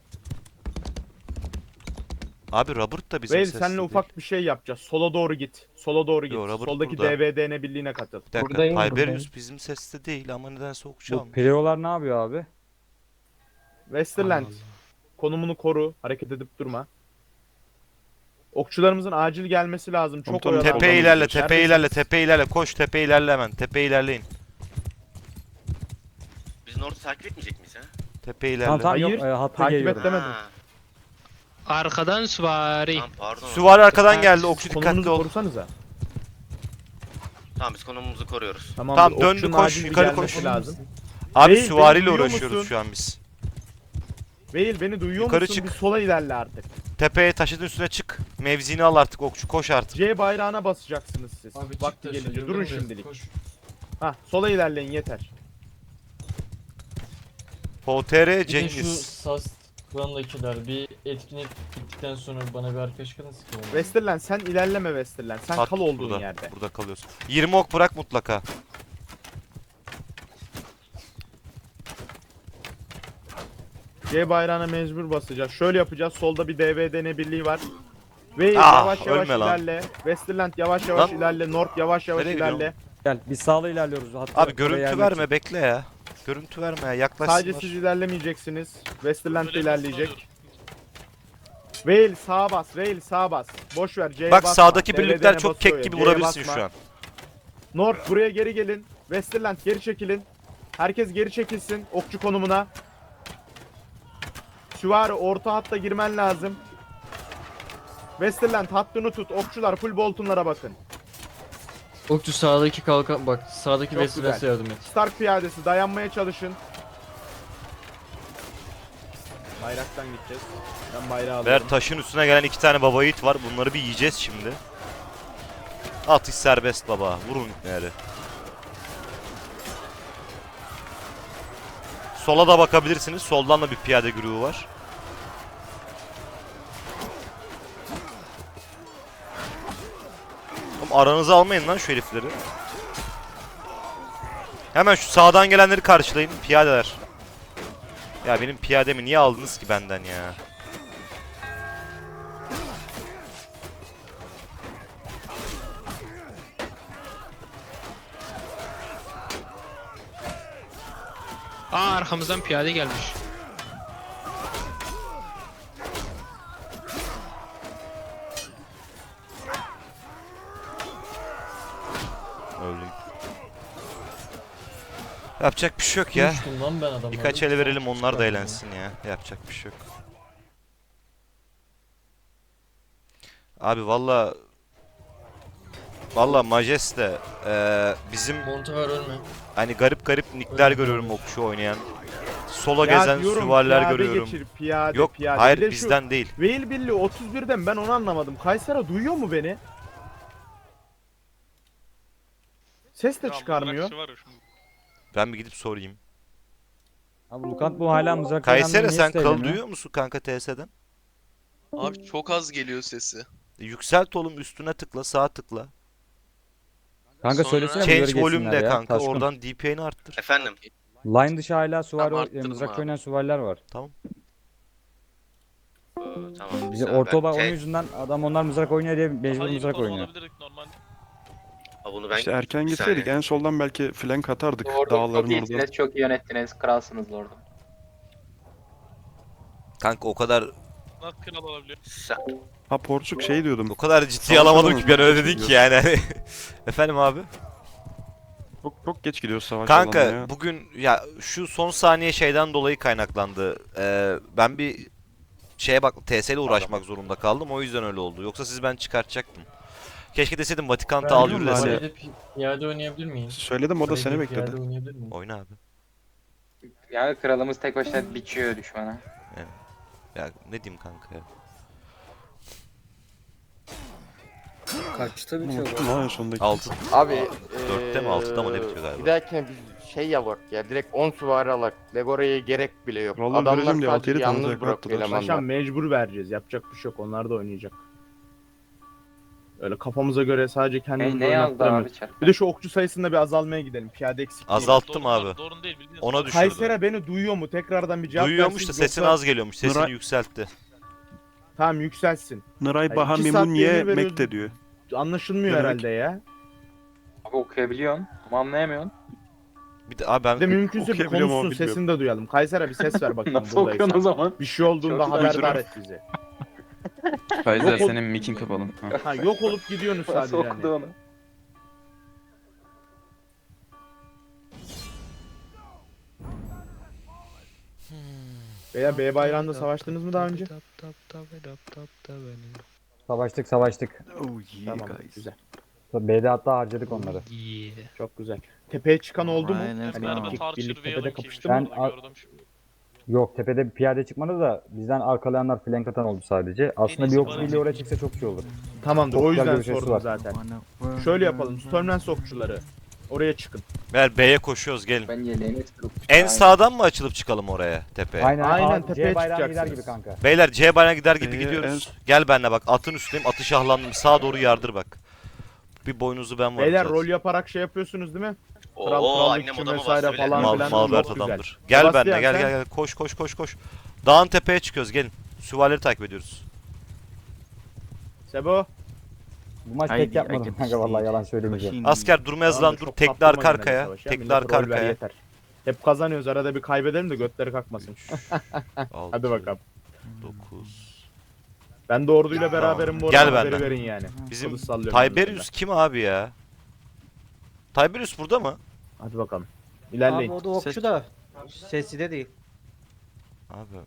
[SPEAKER 1] Abi Robert da bizim
[SPEAKER 7] Vale
[SPEAKER 1] seste
[SPEAKER 7] seninle
[SPEAKER 1] değil.
[SPEAKER 7] ufak bir şey yapacağız. Sola doğru git. Sola doğru git.
[SPEAKER 1] Yo, Robert
[SPEAKER 7] Soldaki
[SPEAKER 1] burada.
[SPEAKER 7] D B D N birliğine katıl.
[SPEAKER 1] Bir dakika.
[SPEAKER 9] Buradayım,
[SPEAKER 1] Tiberius
[SPEAKER 9] buradayım.
[SPEAKER 1] bizim seste değil ama nedense okçu
[SPEAKER 3] Bu
[SPEAKER 1] almış.
[SPEAKER 3] Pleolar ne yapıyor abi?
[SPEAKER 7] Westerland konumunu koru. Hareket edip durma. Okçularımızın acil gelmesi lazım. Çok
[SPEAKER 8] Komutanım,
[SPEAKER 7] oyalandı.
[SPEAKER 1] Tepeye
[SPEAKER 8] Soldan
[SPEAKER 1] ilerle,
[SPEAKER 8] gidiyoruz.
[SPEAKER 1] tepeye ilerle, tepeye ilerle. Koş tepeye ilerle hemen. Tepeye ilerleyin.
[SPEAKER 4] Biz North'u takip etmeyecek miyiz ha?
[SPEAKER 1] Tepeye ilerle.
[SPEAKER 3] Tamam tamam
[SPEAKER 7] Hayır,
[SPEAKER 3] yok e, hatta
[SPEAKER 7] takip
[SPEAKER 3] geliyorum.
[SPEAKER 7] et demedim.
[SPEAKER 4] Ha,
[SPEAKER 10] Arkadan süvari.
[SPEAKER 4] Tamam pardon.
[SPEAKER 1] Süvari arkadan
[SPEAKER 10] Ha,
[SPEAKER 1] geldi. Okçu dikkatli
[SPEAKER 7] Konumunuzu
[SPEAKER 1] ol.
[SPEAKER 7] korusanıza.
[SPEAKER 4] Tamam biz konumumuzu koruyoruz.
[SPEAKER 7] Tamam,
[SPEAKER 1] Tamam, döndü,
[SPEAKER 7] okçunun
[SPEAKER 1] koş,
[SPEAKER 7] acil bir
[SPEAKER 1] yukarı
[SPEAKER 7] gelmesi
[SPEAKER 1] koş.
[SPEAKER 7] lazım.
[SPEAKER 1] Abi
[SPEAKER 7] Değil,
[SPEAKER 1] süvariyle
[SPEAKER 7] beni duyuyor
[SPEAKER 1] uğraşıyoruz
[SPEAKER 7] musun?
[SPEAKER 1] şu an biz.
[SPEAKER 7] Veil beni duyuyor
[SPEAKER 1] Yukarı
[SPEAKER 7] musun?
[SPEAKER 1] çık.
[SPEAKER 7] Bir sola ilerle artık.
[SPEAKER 1] Tepeye taşın üstüne çık. Mevzini al artık okçu. Koş artık.
[SPEAKER 7] C bayrağına basacaksınız siz.
[SPEAKER 2] Abi çık
[SPEAKER 7] Vakti
[SPEAKER 2] da
[SPEAKER 7] gelince.
[SPEAKER 2] şöyle,
[SPEAKER 7] Durun
[SPEAKER 2] yürü,
[SPEAKER 7] şimdilik.
[SPEAKER 2] koş.
[SPEAKER 7] Hah sola ilerleyin yeter.
[SPEAKER 1] P T R
[SPEAKER 2] Bir de şu
[SPEAKER 1] Cengiz.
[SPEAKER 2] Sas klandakiler bir etkinlik bittikten sonra bana bir arkadaş kadın sıkıyor.
[SPEAKER 7] Westerland sen ilerleme Westerland. Sen
[SPEAKER 1] At
[SPEAKER 7] kal olduğun
[SPEAKER 1] burada.
[SPEAKER 7] yerde.
[SPEAKER 1] Burada kalıyorsun. yirmi ok bırak mutlaka.
[SPEAKER 7] C bayrağına mecbur basacağız. Şöyle yapacağız. Solda bir D B D N birliği var. Ve
[SPEAKER 1] Ah,
[SPEAKER 7] yavaş yavaş
[SPEAKER 1] ölme lan.
[SPEAKER 7] ilerle. Westerland yavaş yavaş
[SPEAKER 1] Lan.
[SPEAKER 7] ilerle. North yavaş yavaş
[SPEAKER 1] Nereye
[SPEAKER 7] ilerle.
[SPEAKER 1] gidiyorsun?
[SPEAKER 3] Gel biz sağla ilerliyoruz. Hatta
[SPEAKER 1] Abi
[SPEAKER 3] oraya
[SPEAKER 1] görüntü
[SPEAKER 3] gelmek
[SPEAKER 1] verme,
[SPEAKER 3] için.
[SPEAKER 1] bekle ya. Görüntü verme ya, yaklaşsınlar.
[SPEAKER 7] Sadece siz ilerlemeyeceksiniz. Westerland de
[SPEAKER 6] Böyle
[SPEAKER 7] ilerleyecek. Veil sağa bas. Veil sağa bas. Boş ver. C'ye
[SPEAKER 1] Bak
[SPEAKER 7] basma.
[SPEAKER 1] sağdaki
[SPEAKER 7] D B D N'e
[SPEAKER 1] birlikler çok
[SPEAKER 7] basıyor
[SPEAKER 1] kek
[SPEAKER 7] ya,
[SPEAKER 1] gibi
[SPEAKER 7] C'ye
[SPEAKER 1] vurabilirsin
[SPEAKER 7] basma.
[SPEAKER 1] şu an.
[SPEAKER 7] North buraya geri gelin. Westerland geri çekilin. Herkes geri çekilsin okçu konumuna. Süvari orta hatta girmen lazım. Westerland hattını tut. Okçular full boltonlara bakın.
[SPEAKER 2] Okçu sağdaki kalkan bak sağdaki
[SPEAKER 7] Çok
[SPEAKER 2] Westerland'e
[SPEAKER 7] güzel.
[SPEAKER 2] yardım et.
[SPEAKER 7] Stark piyadesi dayanmaya çalışın. Bayraktan gideceğiz. Ben bayrağı alıyorum.
[SPEAKER 1] Ver, taşın üstüne gelen iki tane baba yiğit var. Bunları bir yiyeceğiz şimdi. Atış serbest baba. Vurun ipneleri. Sola da bakabilirsiniz. Soldan da bir piyade grubu var. Oğlum aranıza almayın lan şu herifleri. Hemen şu sağdan gelenleri karşılayın. Piyadeler. Ya benim piyademi niye aldınız ki benden ya?
[SPEAKER 10] Aa arkamızdan piyade gelmiş.
[SPEAKER 1] Öldüm. Yapacak bir şey yok ya.
[SPEAKER 2] Konuştum lan ben adamlarla.
[SPEAKER 1] Birkaç ele verelim onlar da
[SPEAKER 2] Çıkardım
[SPEAKER 1] eğlensin ya. Yapacak bir şey yok. Abi valla valla Majeste eee, bizim
[SPEAKER 2] ya. Montever ölme.
[SPEAKER 1] hani garip garip nickler görüyorum okçu oynayan. Sola
[SPEAKER 7] Ya
[SPEAKER 1] gezen
[SPEAKER 7] diyorum,
[SPEAKER 1] süvariler
[SPEAKER 7] piyade
[SPEAKER 1] görüyorum.
[SPEAKER 7] Geçir, piyade,
[SPEAKER 1] Yok
[SPEAKER 7] piyade.
[SPEAKER 1] hayır
[SPEAKER 7] Bir de şu
[SPEAKER 1] bizden değil.
[SPEAKER 7] Veil Birliği otuz birden ben onu anlamadım. Kaysera duyuyor mu beni? Ses de
[SPEAKER 6] Ya,
[SPEAKER 7] çıkarmıyor.
[SPEAKER 6] mızrakçı var ya şimdi.
[SPEAKER 1] Ben bir gidip sorayım.
[SPEAKER 3] Abi Lukant bu hala mızrak
[SPEAKER 1] Kayseri
[SPEAKER 3] oynandığı
[SPEAKER 1] sen
[SPEAKER 3] niye
[SPEAKER 1] kal
[SPEAKER 3] söylemiyor?
[SPEAKER 1] duyuyor musun kanka T S'den?
[SPEAKER 11] Abi çok az geliyor sesi.
[SPEAKER 1] E, Yükselt oğlum üstüne tıkla sağa tıkla.
[SPEAKER 3] Kanka
[SPEAKER 11] Sonra-
[SPEAKER 3] söylesene bunları
[SPEAKER 1] Change volume
[SPEAKER 3] geçsinler
[SPEAKER 1] de
[SPEAKER 3] ya.
[SPEAKER 1] kanka
[SPEAKER 3] Taşkın.
[SPEAKER 1] oradan D P I'ni arttır.
[SPEAKER 4] Efendim.
[SPEAKER 3] Line dışı hala süvari
[SPEAKER 11] Tamam,
[SPEAKER 3] o-
[SPEAKER 11] arttırdım
[SPEAKER 3] mızrak
[SPEAKER 11] abi.
[SPEAKER 3] oynayan süvariler var.
[SPEAKER 4] Ee, tamam.
[SPEAKER 3] Bize
[SPEAKER 4] güzel.
[SPEAKER 3] orta olan
[SPEAKER 4] Ben-
[SPEAKER 3] onun
[SPEAKER 4] şey,
[SPEAKER 3] yüzünden adam onlar mızrak oynuyor diye mecbur
[SPEAKER 6] Daha iyi bir
[SPEAKER 3] mızrak
[SPEAKER 6] konum
[SPEAKER 3] oynuyor.
[SPEAKER 6] alabilirdik normalde.
[SPEAKER 4] Ha, bunu ben
[SPEAKER 8] İşte erken
[SPEAKER 4] bir
[SPEAKER 8] gitseydik
[SPEAKER 4] saniye.
[SPEAKER 8] en soldan belki flank atardık
[SPEAKER 9] Lordum çok
[SPEAKER 8] dağların orada.
[SPEAKER 9] iyisiniz, çok iyi yönettiniz. Kralsınız Lordum.
[SPEAKER 1] Kanka o kadar
[SPEAKER 6] Nasıl kral olabiliyor?
[SPEAKER 4] Sen,
[SPEAKER 8] Ha Porsuk şey diyordum.
[SPEAKER 1] o kadar ciddiye
[SPEAKER 8] Savaş
[SPEAKER 1] alamadım
[SPEAKER 8] alanı
[SPEAKER 1] ki ben öyle
[SPEAKER 8] çok
[SPEAKER 1] dedin
[SPEAKER 8] geç
[SPEAKER 1] ki yani. hani. Efendim abi?
[SPEAKER 8] Çok, çok geç gidiyoruz savaş alanına
[SPEAKER 1] Kanka
[SPEAKER 8] ya.
[SPEAKER 1] bugün ya şu son saniye şeyden dolayı kaynaklandı. Ee, ben bir şeye bak T S ile uğraşmak zorunda kaldım. O yüzden öyle oldu. Yoksa siz ben çıkartacaktım. Keşke deseydim Vatikan'ta al yürü
[SPEAKER 8] biliyorum abi.
[SPEAKER 1] dese.
[SPEAKER 2] Kalede pi- piyade oynayabilir miyim?
[SPEAKER 8] Söyledim o da seni
[SPEAKER 2] Kalede piyade
[SPEAKER 8] bekledi.
[SPEAKER 2] oynayabilir miyim?
[SPEAKER 1] Oyna abi.
[SPEAKER 9] Yani kralımız tek başına biçiyor düşmana.
[SPEAKER 1] Ya ne diyeyim kanka ya.
[SPEAKER 12] Kaçta
[SPEAKER 8] Unuttum lan en sondaki.
[SPEAKER 1] altı
[SPEAKER 12] Abi
[SPEAKER 1] dörtte mi altıda mı ne bitiyor galiba?
[SPEAKER 12] Bir dahakine biz şey yapak ya direkt on süvari alak. Legora'ya gerek bile yok.
[SPEAKER 8] Vallahi
[SPEAKER 12] Adamlar
[SPEAKER 8] vereceğim diye altı
[SPEAKER 12] sadece
[SPEAKER 8] yedi tane
[SPEAKER 12] yalnız
[SPEAKER 8] zevk
[SPEAKER 12] bırakıyor
[SPEAKER 8] attılar.
[SPEAKER 12] elemanlar.
[SPEAKER 7] Paşam mecbur vereceğiz. Yapacak bir şey yok. Onlar da oynayacak. Öyle kafamıza göre sadece
[SPEAKER 9] Ne,
[SPEAKER 7] kendimizi
[SPEAKER 9] ne yazdı
[SPEAKER 7] oynattıramıyoruz.
[SPEAKER 9] abi çarpı?
[SPEAKER 7] Bir de şu okçu sayısında bir azalmaya gidelim. Piyade eksik değil.
[SPEAKER 1] Azalttım
[SPEAKER 6] Doğru-
[SPEAKER 1] abi.
[SPEAKER 6] Doğru değil bildiğiniz.
[SPEAKER 1] Ona
[SPEAKER 6] doğru.
[SPEAKER 1] düşürdü.
[SPEAKER 7] Kaysera beni duyuyor mu? Tekrardan bir cevap
[SPEAKER 1] Duyuyormuş da
[SPEAKER 7] versin.
[SPEAKER 1] sesin
[SPEAKER 7] Yoksa-
[SPEAKER 1] az geliyormuş. Sesini
[SPEAKER 8] Nıra-
[SPEAKER 1] yükseltti.
[SPEAKER 7] Tamam yükselsin.
[SPEAKER 8] Nıray
[SPEAKER 7] Hayır, iki saat
[SPEAKER 8] Bahamimuniye
[SPEAKER 7] yayını veriyoruz.
[SPEAKER 8] Mekte diyor.
[SPEAKER 7] Anlaşılmıyor
[SPEAKER 8] Ne demek?
[SPEAKER 7] herhalde ya.
[SPEAKER 9] Abi okuyabiliyorsun ama anlayamıyorsun.
[SPEAKER 1] Bir de abi ben
[SPEAKER 7] Bir de mümkünse bir
[SPEAKER 8] okuyabiliyorum ama
[SPEAKER 7] konuşsun,
[SPEAKER 8] bilmiyorum.
[SPEAKER 7] sesini de duyalım. Kaysera bir ses ver bakayım
[SPEAKER 9] Nasıl okuyorsun o
[SPEAKER 7] buradaysan.
[SPEAKER 9] zaman?
[SPEAKER 7] Bir şey olduğunda
[SPEAKER 9] Çok
[SPEAKER 7] haberdar
[SPEAKER 8] duyduruyor.
[SPEAKER 7] et bizi.
[SPEAKER 5] Kaiser
[SPEAKER 7] Yok ol-
[SPEAKER 5] senin mikin kapalı. Ha.
[SPEAKER 7] Ha, yok olup gidiyorsunuz
[SPEAKER 9] Nasıl
[SPEAKER 7] sadece
[SPEAKER 9] okudu
[SPEAKER 7] hani.
[SPEAKER 9] onu?
[SPEAKER 7] Veya B bayrağında savaştınız mı daha önce?
[SPEAKER 3] Savaştık savaştık.
[SPEAKER 5] Oh yeah
[SPEAKER 7] Tamam
[SPEAKER 5] guys.
[SPEAKER 7] güzel.
[SPEAKER 3] B'de hatta harcadık onları.
[SPEAKER 10] Yeah.
[SPEAKER 7] Çok güzel. Tepeye çıkan oldu mu?
[SPEAKER 5] Aynen.
[SPEAKER 7] Hani
[SPEAKER 6] Merve
[SPEAKER 7] birlik,
[SPEAKER 6] Tarçır
[SPEAKER 7] birlik
[SPEAKER 6] ve
[SPEAKER 7] tepede
[SPEAKER 6] Yalın
[SPEAKER 7] kapıştı
[SPEAKER 6] kimmiş
[SPEAKER 7] mı?
[SPEAKER 3] Ben-
[SPEAKER 6] orada gördüm şimdi.
[SPEAKER 3] Yok tepede bir piyade çıkmadı da bizden arkalayanlar flank atan oldu sadece. Aslında bir
[SPEAKER 6] iyisi
[SPEAKER 3] okçu
[SPEAKER 6] bana
[SPEAKER 3] birliği oraya çıksa çok iyi olur.
[SPEAKER 7] Tamamdır
[SPEAKER 3] Çok
[SPEAKER 7] o
[SPEAKER 3] güzel
[SPEAKER 7] yüzden
[SPEAKER 3] görüşesi
[SPEAKER 7] sordum
[SPEAKER 3] var.
[SPEAKER 7] zaten. Şöyle yapalım. Stormlands okçuları. Oraya çıkın.
[SPEAKER 1] Ver B'ye koşuyoruz gelin.
[SPEAKER 9] Ben yeleğini tutup.
[SPEAKER 1] En sağdan mı açılıp çıkalım oraya tepeye?
[SPEAKER 3] Aynen,
[SPEAKER 7] Aynen,
[SPEAKER 3] Aynen
[SPEAKER 7] tepeye
[SPEAKER 3] C bayrağına gider
[SPEAKER 7] çıkacaksınız.
[SPEAKER 3] gibi kanka.
[SPEAKER 1] Beyler C bayrağı gider gibi
[SPEAKER 8] Ee,
[SPEAKER 1] gidiyoruz. Gel benimle bak atın üstündeyim atı şahlandım sağa doğru yardır bak. Bir boynuzu ben varım
[SPEAKER 7] Beyler
[SPEAKER 1] zaten.
[SPEAKER 7] rol yaparak şey yapıyorsunuz değil mi? Kral,
[SPEAKER 4] Oo
[SPEAKER 7] krallık
[SPEAKER 4] annem
[SPEAKER 7] için
[SPEAKER 4] odama
[SPEAKER 7] vesaire
[SPEAKER 4] bastı bile.
[SPEAKER 7] falan.
[SPEAKER 1] Mal,
[SPEAKER 7] filan
[SPEAKER 1] Malbert
[SPEAKER 7] çok güzel.
[SPEAKER 1] adamdır. Gel
[SPEAKER 7] Sebastian,
[SPEAKER 1] benimle gel
[SPEAKER 7] sen?
[SPEAKER 1] gel gel koş koş koş koş. Dağın tepeye çıkıyoruz gelin. Süvarileri takip ediyoruz.
[SPEAKER 7] Sebo.
[SPEAKER 3] Bu maç
[SPEAKER 5] Haydi,
[SPEAKER 3] tek yapmadım
[SPEAKER 5] haydi,
[SPEAKER 3] kanka vallahi yalan
[SPEAKER 5] şey,
[SPEAKER 3] söylemeyeceğim.
[SPEAKER 5] machine.
[SPEAKER 1] Asker durma yazılan
[SPEAKER 7] Tamam,
[SPEAKER 1] dur
[SPEAKER 7] çok
[SPEAKER 1] tekli
[SPEAKER 7] kaptırma
[SPEAKER 1] arka
[SPEAKER 7] yine de
[SPEAKER 1] arkaya.
[SPEAKER 7] savaşa.
[SPEAKER 1] Tekli
[SPEAKER 7] Millete
[SPEAKER 1] arka
[SPEAKER 7] rol ver
[SPEAKER 1] arkaya.
[SPEAKER 7] yeter. Hep kazanıyoruz arada bir kaybedelim de götleri kalkmasın. Hadi bakalım.
[SPEAKER 1] dokuz.
[SPEAKER 7] Ben de orduyla beraberim bu
[SPEAKER 1] Gel
[SPEAKER 7] arada haberi
[SPEAKER 1] benden.
[SPEAKER 7] verin yani.
[SPEAKER 1] Bizim
[SPEAKER 7] Kılıç sallıyorum
[SPEAKER 1] Tiberius kim abi ya? Tiberius burada mı?
[SPEAKER 7] Hadi bakalım. İlerleyin.
[SPEAKER 3] o da okçu da sesi de değil.
[SPEAKER 1] Abi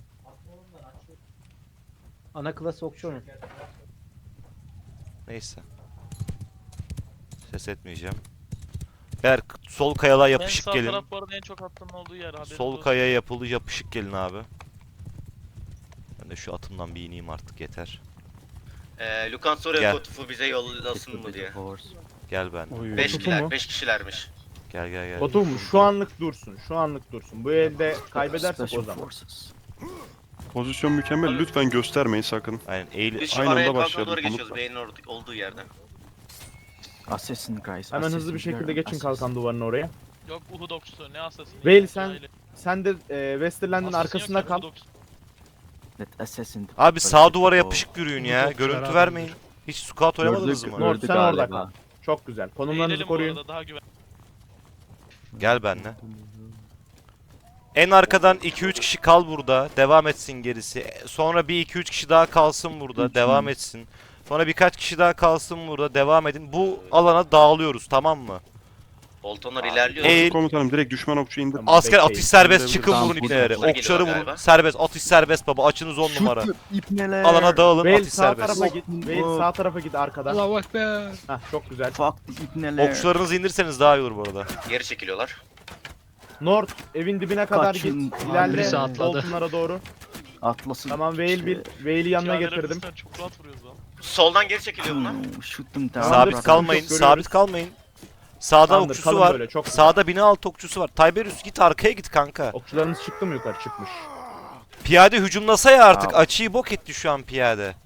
[SPEAKER 3] Ana klas okçu onun.
[SPEAKER 1] neyse. Ses etmeyeceğim. Eğer sol kayalığa
[SPEAKER 6] En
[SPEAKER 1] yapışık
[SPEAKER 6] sağ
[SPEAKER 1] gelin.
[SPEAKER 6] taraf bu arada en çok attığın olduğu yer. haberiniz
[SPEAKER 1] Sol
[SPEAKER 6] olsun.
[SPEAKER 1] kayaya yapılı yapışık gelin abi. Ben de şu atımdan bir ineyim artık yeter.
[SPEAKER 4] Ee, Lukan soruyor
[SPEAKER 1] Gel.
[SPEAKER 4] Kotufu bize yollasın mı diye.
[SPEAKER 1] Gel ben.
[SPEAKER 8] Oy.
[SPEAKER 4] beş
[SPEAKER 7] Kotufu
[SPEAKER 4] kişiler,
[SPEAKER 7] mu?
[SPEAKER 4] beş kişilermiş.
[SPEAKER 1] Gel gel gel.
[SPEAKER 7] Otur mu? Şu anlık dursun. Şu anlık dursun. Bu elde kaybedersek o
[SPEAKER 5] Special
[SPEAKER 7] zaman.
[SPEAKER 5] Forces.
[SPEAKER 8] Pozisyon mükemmel. Lütfen göstermeyin sakın.
[SPEAKER 1] Aynen eğil.
[SPEAKER 4] Biz şu
[SPEAKER 8] Aynı anda
[SPEAKER 4] araya kalkan
[SPEAKER 8] başlayalım,
[SPEAKER 4] doğru geçiyoruz
[SPEAKER 8] unutma.
[SPEAKER 4] beynin or- olduğu yerden.
[SPEAKER 5] Assassin guys.
[SPEAKER 7] Hemen hızlı
[SPEAKER 5] assassin,
[SPEAKER 7] bir şekilde
[SPEAKER 5] you're
[SPEAKER 7] geçin
[SPEAKER 5] assassin.
[SPEAKER 7] kalkan duvarına oraya.
[SPEAKER 6] Yok Uhud okçusu ne asasını.
[SPEAKER 7] Veil, sen- Sen de e, Westerland'ın arkasında kal.
[SPEAKER 5] Let assassin
[SPEAKER 1] Abi sağ
[SPEAKER 5] protect
[SPEAKER 1] duvara
[SPEAKER 5] the
[SPEAKER 1] yapışık yürüyün ya.
[SPEAKER 6] Çok
[SPEAKER 1] Görüntü
[SPEAKER 6] beraber
[SPEAKER 1] vermeyin. Hiç scout oynamadınız
[SPEAKER 5] Gördük,
[SPEAKER 1] mı?
[SPEAKER 7] Nord
[SPEAKER 5] gördük
[SPEAKER 7] sen orada
[SPEAKER 5] galiba.
[SPEAKER 7] kal. Çok güzel. Konumlarınızı koruyun.
[SPEAKER 6] Daha güven.
[SPEAKER 1] Gel benimle. En arkadan iki üç kişi kal burada. Devam etsin gerisi. E, Sonra bir iki üç kişi daha kalsın burada.
[SPEAKER 5] Üç
[SPEAKER 1] Devam
[SPEAKER 5] mü?
[SPEAKER 1] etsin. Sonra birkaç kişi daha kalsın burada. Devam edin. Bu alana dağılıyoruz tamam mı?
[SPEAKER 4] Boltonlar ilerliyor.
[SPEAKER 1] Eğil.
[SPEAKER 8] Komutanım direkt düşman okçu indir.
[SPEAKER 7] Tamam.
[SPEAKER 1] Asker
[SPEAKER 7] bekleyin.
[SPEAKER 1] atış serbest,
[SPEAKER 8] Tamam,
[SPEAKER 1] çıkın
[SPEAKER 5] tamam,
[SPEAKER 1] vurun
[SPEAKER 5] burada.
[SPEAKER 1] ipneleri.
[SPEAKER 4] Bunlar
[SPEAKER 1] Okçuları
[SPEAKER 4] geliyor
[SPEAKER 1] vurun.
[SPEAKER 4] galiba.
[SPEAKER 1] Serbest, atış serbest baba. Açınız on numara.
[SPEAKER 5] Shoot them, ipneler.
[SPEAKER 1] Alana dağılın,
[SPEAKER 7] Veil
[SPEAKER 1] atış
[SPEAKER 7] sağ
[SPEAKER 1] serbest.
[SPEAKER 7] tarafa git. Veil sağ tarafa git arkadan.
[SPEAKER 10] Allahu Ekber.
[SPEAKER 7] Hah çok güzel.
[SPEAKER 5] Fuck the ipneler.
[SPEAKER 1] Okçularınızı indirseniz daha iyi olur bu arada.
[SPEAKER 4] Geri çekiliyorlar.
[SPEAKER 7] North evin dibine kadar
[SPEAKER 5] Kaçın.
[SPEAKER 7] git.
[SPEAKER 5] Abi,
[SPEAKER 7] İlerle
[SPEAKER 10] birisi atladı.
[SPEAKER 7] Boltonlara doğru.
[SPEAKER 5] Atlasın.
[SPEAKER 7] Tamam Veil bir Veil'i yanına
[SPEAKER 6] Piyadeler
[SPEAKER 7] getirdim.
[SPEAKER 6] bizden çok rahat vuruyoruz lan.
[SPEAKER 4] Soldan geri çekiliyor bunlar.
[SPEAKER 5] Hmm, shoot them down.
[SPEAKER 7] Tamamdır,
[SPEAKER 1] Sabit
[SPEAKER 7] sıkıntı
[SPEAKER 1] kalmayın,
[SPEAKER 7] yok, görüyoruz.
[SPEAKER 1] sabit kalmayın. Sağda
[SPEAKER 7] Tamamdır,
[SPEAKER 1] okçusu
[SPEAKER 7] kalın
[SPEAKER 1] var.
[SPEAKER 7] böyle, çok güzel.
[SPEAKER 1] Sağda bina altı okçusu var. Tiberius git arkaya git kanka.
[SPEAKER 7] Okçularımız çıktı mı yukarı? Çıkmış.
[SPEAKER 1] Piyade hücumlasa ya artık.
[SPEAKER 5] Tamam.
[SPEAKER 1] Açıyı bok etti şu an piyade.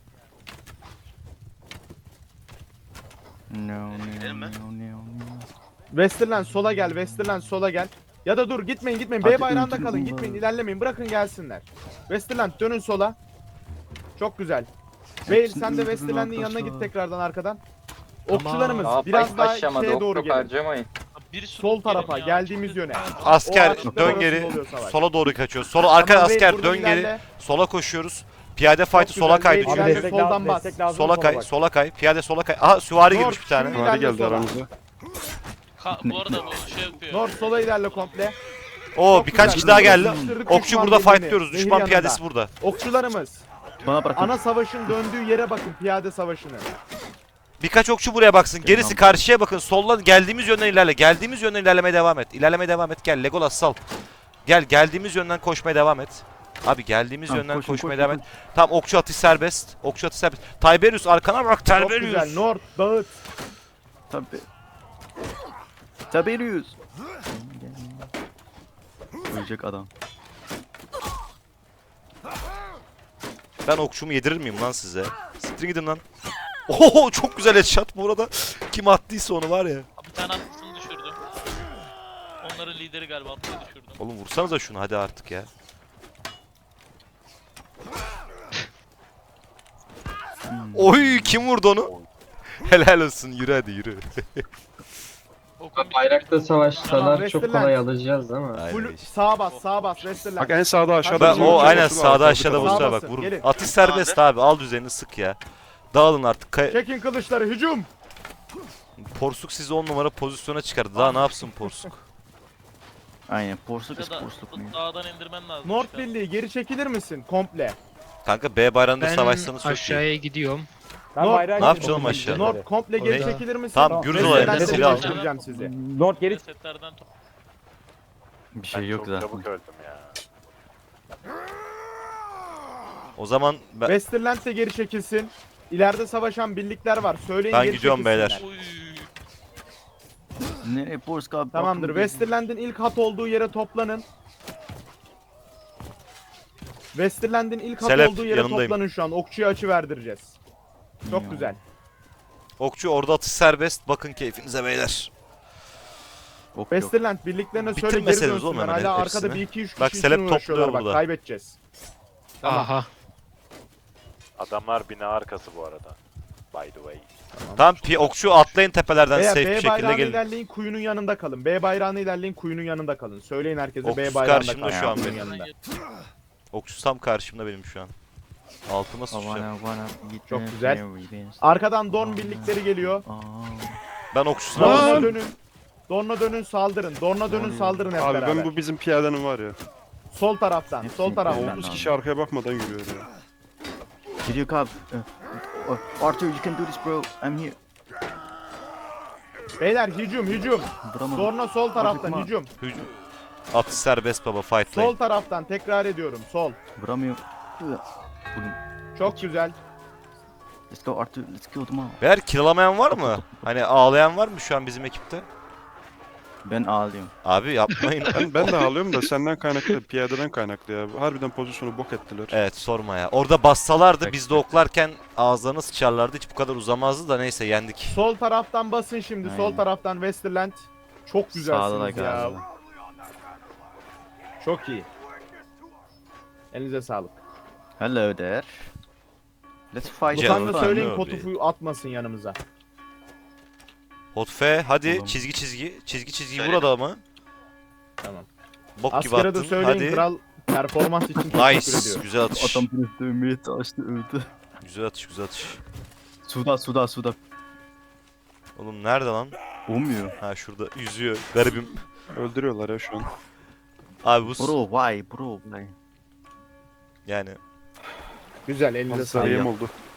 [SPEAKER 5] No, no,
[SPEAKER 4] Gidelim mi?
[SPEAKER 5] no, no, no.
[SPEAKER 7] Westerland sola gel, Westerland sola gel. Ya da dur gitmeyin gitmeyin.
[SPEAKER 5] Hadi
[SPEAKER 7] B bayrağında
[SPEAKER 5] öldürün
[SPEAKER 7] kalın
[SPEAKER 5] bunu.
[SPEAKER 7] gitmeyin ilerlemeyin bırakın gelsinler. Westerland dönün sola. Çok güzel. Veil
[SPEAKER 5] Hepsini
[SPEAKER 7] sen de
[SPEAKER 5] öldürün
[SPEAKER 7] Westerland'in yanına
[SPEAKER 5] arkadaşlar.
[SPEAKER 7] git tekrardan arkadan.
[SPEAKER 10] Tamam.
[SPEAKER 7] Okçularımız
[SPEAKER 9] Aa,
[SPEAKER 7] biraz daha
[SPEAKER 9] aşamadı,
[SPEAKER 7] şeye
[SPEAKER 9] ok
[SPEAKER 7] doğru
[SPEAKER 9] çok
[SPEAKER 7] gelin.
[SPEAKER 9] harcamayın.
[SPEAKER 6] Bir sürü
[SPEAKER 7] Sol
[SPEAKER 6] gelin
[SPEAKER 7] tarafa
[SPEAKER 6] ya,
[SPEAKER 7] geldiğimiz
[SPEAKER 6] çok
[SPEAKER 7] yöne.
[SPEAKER 6] kötü.
[SPEAKER 1] Asker
[SPEAKER 7] O ağaçlıklar
[SPEAKER 1] dön
[SPEAKER 7] arasında
[SPEAKER 1] geri.
[SPEAKER 7] oluyor savaş.
[SPEAKER 1] Sola doğru kaçıyoruz. Sola arka
[SPEAKER 7] Tamam, Veil
[SPEAKER 1] asker
[SPEAKER 7] buradan
[SPEAKER 1] dön geri.
[SPEAKER 7] ilerle.
[SPEAKER 1] Sola koşuyoruz. Piyade fight'ı
[SPEAKER 7] Çok
[SPEAKER 1] sola
[SPEAKER 7] güzel,
[SPEAKER 1] kaydı
[SPEAKER 7] Veil
[SPEAKER 3] Abi
[SPEAKER 7] ilerle,
[SPEAKER 1] çünkü.
[SPEAKER 3] destek
[SPEAKER 7] soldan
[SPEAKER 3] lazım,
[SPEAKER 7] bas.
[SPEAKER 3] destek lazım.
[SPEAKER 1] Sola kay,
[SPEAKER 3] bak.
[SPEAKER 1] sola kay. Piyade sola kay. Aha süvari
[SPEAKER 7] North,
[SPEAKER 1] girmiş bir tane.
[SPEAKER 7] şimdi-
[SPEAKER 8] Hadi
[SPEAKER 7] İlerle
[SPEAKER 8] geldi
[SPEAKER 7] sola.
[SPEAKER 8] aramıza.
[SPEAKER 6] Ka- bu arada bu şey yapıyor.
[SPEAKER 7] North sola ilerle komple.
[SPEAKER 1] Oo
[SPEAKER 7] Çok
[SPEAKER 1] birkaç
[SPEAKER 7] güzel.
[SPEAKER 1] kişi daha geldi.
[SPEAKER 7] Sıkıştırdık
[SPEAKER 1] Okçu
[SPEAKER 7] düşman
[SPEAKER 1] burada
[SPEAKER 7] birliğini.
[SPEAKER 1] fightlıyoruz.
[SPEAKER 7] Nehir
[SPEAKER 1] Düşman
[SPEAKER 7] yanında.
[SPEAKER 1] piyadesi burada.
[SPEAKER 7] Okçularımız
[SPEAKER 5] Bana bırakın.
[SPEAKER 7] ana savaşın döndüğü yere bakın piyade savaşını.
[SPEAKER 1] Birkaç okçu buraya baksın. Gerisi karşıya bakın. Soldan geldiğimiz yönden ilerle. Geldiğimiz yönden ilerlemeye devam et. İlerlemeye devam et. Gel Legolas sal. Gel geldiğimiz yönden koşmaya devam et. Abi geldiğimiz
[SPEAKER 5] Tamam,
[SPEAKER 1] yönden
[SPEAKER 5] koşun,
[SPEAKER 1] koşmaya
[SPEAKER 5] koşun,
[SPEAKER 1] devam et. Tamam okçu atış serbest. Okçu atış serbest. Tiberius arkana bak
[SPEAKER 7] Çok güzel.
[SPEAKER 1] Tiberius.
[SPEAKER 7] North dağıt.
[SPEAKER 5] Tabi. Tiberius. Ölecek adam.
[SPEAKER 1] Ben okçumu yedirir miyim lan size? Siktir gidin lan. Oho çok güzel headshot bu arada. Kim attıysa onu var ya.
[SPEAKER 6] Bir tane atlısını düşürdüm. Onların lideri galiba atlıyı düşürdüm.
[SPEAKER 1] Oğlum vursanıza şunu hadi artık ya. Oy kim vurdu onu? Helal olsun yürü hadi yürü.
[SPEAKER 6] Okan bir
[SPEAKER 9] Bayrakta savaşsalar
[SPEAKER 7] Tamam,
[SPEAKER 9] çok
[SPEAKER 7] Westerland.
[SPEAKER 9] kolay alacağız ama.
[SPEAKER 1] Aynen
[SPEAKER 7] Full
[SPEAKER 1] işte.
[SPEAKER 7] sağa bas, sağa bas Westerland.
[SPEAKER 8] Bak en sağda aşağıda.
[SPEAKER 1] Ben,
[SPEAKER 8] bizim
[SPEAKER 1] o
[SPEAKER 8] okçu
[SPEAKER 1] aynen
[SPEAKER 8] var,
[SPEAKER 1] sağda
[SPEAKER 8] sabit
[SPEAKER 1] aşağıda
[SPEAKER 8] kalın.
[SPEAKER 1] bosslar
[SPEAKER 7] Sağ
[SPEAKER 1] bak
[SPEAKER 7] basın,
[SPEAKER 1] vurun.
[SPEAKER 7] gelin.
[SPEAKER 1] Atış serbest abi al düzenini sık ya. Dağılın artık. Kay-
[SPEAKER 7] Çekin kılıçları hücum.
[SPEAKER 1] Porsuk sizi on numara pozisyona çıkardı. Daha ne yapsın Porsuk?
[SPEAKER 5] Aynen. Porsuk
[SPEAKER 6] ya
[SPEAKER 5] is
[SPEAKER 6] da
[SPEAKER 5] porsuk mu?
[SPEAKER 6] dağdan indirmen lazım.
[SPEAKER 7] North
[SPEAKER 6] çıkar.
[SPEAKER 7] Birliği geri çekilir misin komple?
[SPEAKER 1] Kanka B bayrağında
[SPEAKER 10] Ben
[SPEAKER 1] savaşsanız çok iyi.
[SPEAKER 10] aşağıya gidiyorum.
[SPEAKER 3] Ben
[SPEAKER 7] North-
[SPEAKER 3] bayrağı
[SPEAKER 1] Ne yapacağız
[SPEAKER 3] getirdim.
[SPEAKER 1] oğlum aşağı?
[SPEAKER 7] North komple geri
[SPEAKER 10] Oraya.
[SPEAKER 7] çekilir misin?
[SPEAKER 1] Tamam, Gürz
[SPEAKER 7] Westerland'e
[SPEAKER 1] olayında
[SPEAKER 7] de
[SPEAKER 1] silah al.
[SPEAKER 7] göstereceğim sizi.
[SPEAKER 3] North geri
[SPEAKER 6] Setlerden top-
[SPEAKER 5] Bir şey yok zaten.
[SPEAKER 1] O zaman ben,
[SPEAKER 7] Westerland de geri çekilsin. İleride savaşan birlikler var. Söyleyin
[SPEAKER 1] Ben
[SPEAKER 7] geri
[SPEAKER 1] gidiyorum
[SPEAKER 7] çekilsinler.
[SPEAKER 1] beyler.
[SPEAKER 6] Uy.
[SPEAKER 5] Nereye Porsuk abi?
[SPEAKER 7] Tamamdır.
[SPEAKER 5] Bakın.
[SPEAKER 7] Westerland'in ilk hat olduğu yere toplanın. Westerland'in ilk hat
[SPEAKER 1] Selep,
[SPEAKER 7] olduğu yere
[SPEAKER 1] yanındayım.
[SPEAKER 7] toplanın şu an. Okçuya açı verdireceğiz. Çok
[SPEAKER 5] Ya.
[SPEAKER 7] güzel.
[SPEAKER 1] okçu orada atış serbest. Bakın keyfinize beyler.
[SPEAKER 5] Ok yok.
[SPEAKER 7] Westerland birliklerine söyle geri
[SPEAKER 1] Bitirmeseniz oğlum
[SPEAKER 7] dönsünler.
[SPEAKER 1] hemen
[SPEAKER 7] Hala
[SPEAKER 1] hepsini.
[SPEAKER 7] arkada bir iki üç kişi
[SPEAKER 1] Bak,
[SPEAKER 7] için
[SPEAKER 1] Selep
[SPEAKER 7] uğraşıyorlar.
[SPEAKER 1] topluyor
[SPEAKER 7] Bak
[SPEAKER 1] burada.
[SPEAKER 7] kaybedeceğiz. Tamam.
[SPEAKER 10] Aha.
[SPEAKER 13] Adamlar bina arkası bu arada. By the way.
[SPEAKER 1] Tamam pi- okçu atlayın tepelerden
[SPEAKER 7] Veya
[SPEAKER 1] safe bir
[SPEAKER 7] B
[SPEAKER 1] şekilde
[SPEAKER 7] bayrağını
[SPEAKER 1] gelin.
[SPEAKER 7] ilerleyin kuyunun yanında kalın. B bayrağını ilerleyin kuyunun yanında kalın. Söyleyin herkese
[SPEAKER 1] Okçusu
[SPEAKER 7] B bayrağında
[SPEAKER 1] karşımda
[SPEAKER 7] kalın.
[SPEAKER 1] şu an
[SPEAKER 7] kuyunun
[SPEAKER 1] benim.
[SPEAKER 7] yanında.
[SPEAKER 1] Okçu tam karşımda benim şu an. Altıma sıçacağım.
[SPEAKER 5] Wanna, wanna eat
[SPEAKER 7] Çok
[SPEAKER 5] my
[SPEAKER 7] güzel.
[SPEAKER 5] berries.
[SPEAKER 7] Arkadan Dorn birlikleri geliyor.
[SPEAKER 5] Aa.
[SPEAKER 1] Ben okçusuna
[SPEAKER 7] Dorn'a
[SPEAKER 1] basıyorum.
[SPEAKER 7] dönün. Dorn'a dönün saldırın. Dorn'a dönün saldırın hep
[SPEAKER 8] Abi
[SPEAKER 7] beraber.
[SPEAKER 8] ben bu bizim piyadenin var ya.
[SPEAKER 7] Sol taraftan.
[SPEAKER 5] Hepsini
[SPEAKER 7] Sol taraftan.
[SPEAKER 5] Ben
[SPEAKER 8] otuz
[SPEAKER 5] abi.
[SPEAKER 8] kişi arkaya bakmadan yürüyor ya.
[SPEAKER 5] Gidiyor abi. Uh, Arthur, you can do this bro. I'm here.
[SPEAKER 7] Beyler hücum hücum.
[SPEAKER 5] Vuramadım.
[SPEAKER 7] Dorn'a sol taraftan
[SPEAKER 5] Acıkma.
[SPEAKER 7] hücum.
[SPEAKER 1] Hücum. Atış serbest baba fightlayın.
[SPEAKER 7] Sol taraftan tekrar ediyorum. Sol.
[SPEAKER 5] Vuramıyorum. Vurdum.
[SPEAKER 7] Çok güzel.
[SPEAKER 5] Let's go Arthur. Let's kill them all.
[SPEAKER 1] Beyler kiralamayan var mı? Hani ağlayan var mı şu an bizim ekipte?
[SPEAKER 5] Ben ağlıyorum.
[SPEAKER 1] Abi yapmayın.
[SPEAKER 8] Ben, ben de ağlıyorum da senden kaynaklı, piyadeden kaynaklı ya. Harbiden pozisyonu bok ettiler.
[SPEAKER 1] Evet sorma ya. Orada bassalardı biz de oklarken ağızlarına sıçarlardı. Hiç bu kadar uzamazdı da neyse yendik.
[SPEAKER 7] Sol taraftan basın şimdi. Sol
[SPEAKER 5] Aynen.
[SPEAKER 7] taraftan Westerland. Çok
[SPEAKER 5] Sağda da
[SPEAKER 7] güzelsiniz ya.
[SPEAKER 5] galiba.
[SPEAKER 7] Çok iyi. Elinize sağlık.
[SPEAKER 5] Hello there. Let's fight.
[SPEAKER 1] Canım.
[SPEAKER 7] Lutan'da
[SPEAKER 1] Canım.
[SPEAKER 7] söyleyin
[SPEAKER 1] Abi.
[SPEAKER 7] Kotufu'yu atmasın yanımıza.
[SPEAKER 1] Hotfe hadi
[SPEAKER 5] Oğlum.
[SPEAKER 1] çizgi çizgi. Çizgi çizgi
[SPEAKER 4] Söyledim.
[SPEAKER 1] burada mı?
[SPEAKER 7] Tamam.
[SPEAKER 1] Bok gibi
[SPEAKER 7] Askere de
[SPEAKER 1] attın.
[SPEAKER 7] söyleyin
[SPEAKER 1] Hadi.
[SPEAKER 7] kral performans için teşekkür
[SPEAKER 1] Nice.
[SPEAKER 7] ediyor.
[SPEAKER 1] Güzel atış.
[SPEAKER 5] Adam beni dövmeye çalıştı öldü.
[SPEAKER 1] Güzel atış güzel atış.
[SPEAKER 5] Suda suda suda.
[SPEAKER 1] Oğlum nerede lan?
[SPEAKER 5] Olmuyor.
[SPEAKER 1] Ha şurada yüzüyor. Garibim.
[SPEAKER 8] Öldürüyorlar ya şu an.
[SPEAKER 1] Abi bu s-
[SPEAKER 5] Bro why bro why?
[SPEAKER 1] yani
[SPEAKER 7] Güzel elinize
[SPEAKER 8] Az
[SPEAKER 7] sağlık.
[SPEAKER 8] sarıyım oldu.